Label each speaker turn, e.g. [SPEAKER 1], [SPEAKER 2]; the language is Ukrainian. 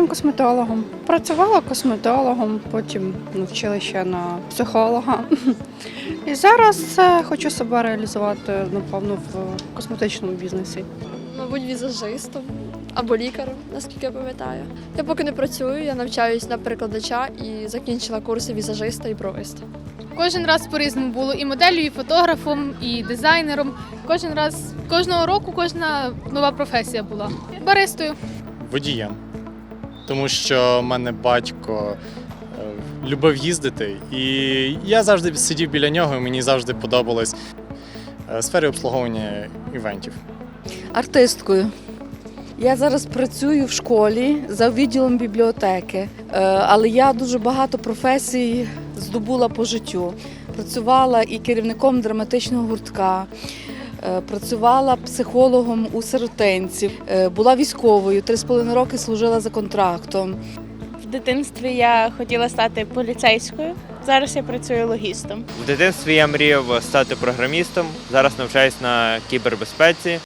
[SPEAKER 1] лікарем, косметологом. Працювала косметологом, потім навчила ще на психолога. І зараз хочу себе реалізувати, напевно, в косметичному бізнесі.
[SPEAKER 2] Мабуть, візажистом або лікарем, наскільки я пам'ятаю. Я поки не працюю, я навчаюсь на перекладача і закінчила курси візажиста і бровиста.
[SPEAKER 3] Кожен раз по-різному було і моделлю, і фотографом, і дизайнером. Кожного року кожна нова професія була. Баристою.
[SPEAKER 4] Водієм. Тому що в мене батько любив їздити, і я завжди сидів біля нього, і мені завжди подобалось в сфері обслуговування івентів.
[SPEAKER 5] Артисткою. Я зараз працюю в школі за відділом бібліотеки, але я дуже багато професій здобула по життю. Працювала і керівником драматичного гуртка, працювала психологом у сиротинців, була військовою, 3,5 роки служила за контрактом.
[SPEAKER 6] В дитинстві я хотіла стати поліцейською, зараз я працюю логістом.
[SPEAKER 7] В дитинстві я мріяв стати програмістом, зараз навчаюсь на кібербезпеці.